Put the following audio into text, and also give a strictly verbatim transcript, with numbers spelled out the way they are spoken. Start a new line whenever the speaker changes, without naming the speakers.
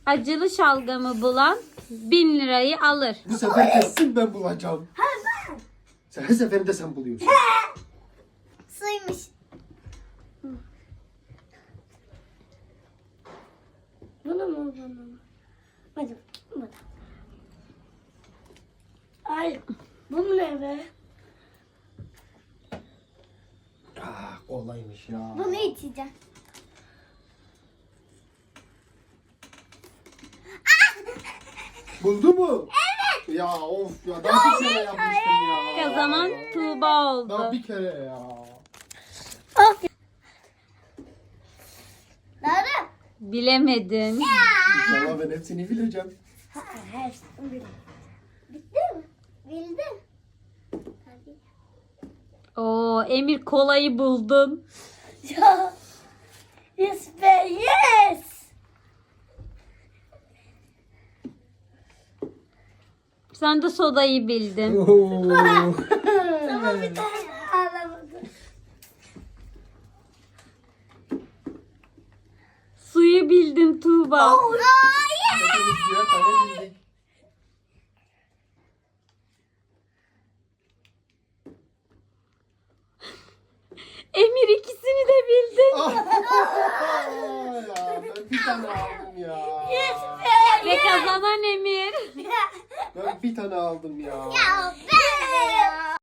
acılı şalgamı bulan bin lirayı alır.
Bu sefer kesin ben bulacağım. Sen her seferinde sen buluyorsun.
Suymuş. Bunu mu bunu mu? Hadi bunu. Ay bu ne be?
Ah, kolaymış ya.
Bunu içeceğim.
Buldu mu? Evet. Ya of ya daha bir kere yapmıştım ya.
Kazanan Tuğba oldu.
Daha bir kere ya.
Of. Doğru.
Bilemedin.
İnşallah ben hepsini bileceğim.
Ha, hepsini bildim. Bitti mi? Bildim. Hadi.
Oo, Emir kolayı buldun.
Ya. Yes be yes.
Sen de sodayı bildin.
Ama bir tane alamadım.
Suyu bildin Tuğba.
Hepimiz birer tane bildik.
Emir ikisini de bildin.
Ya ben bir tane aldım ya.
Yes be.
Ve kazanan Emir.
Ben bir tane aldım ya.
Ya ben de ya.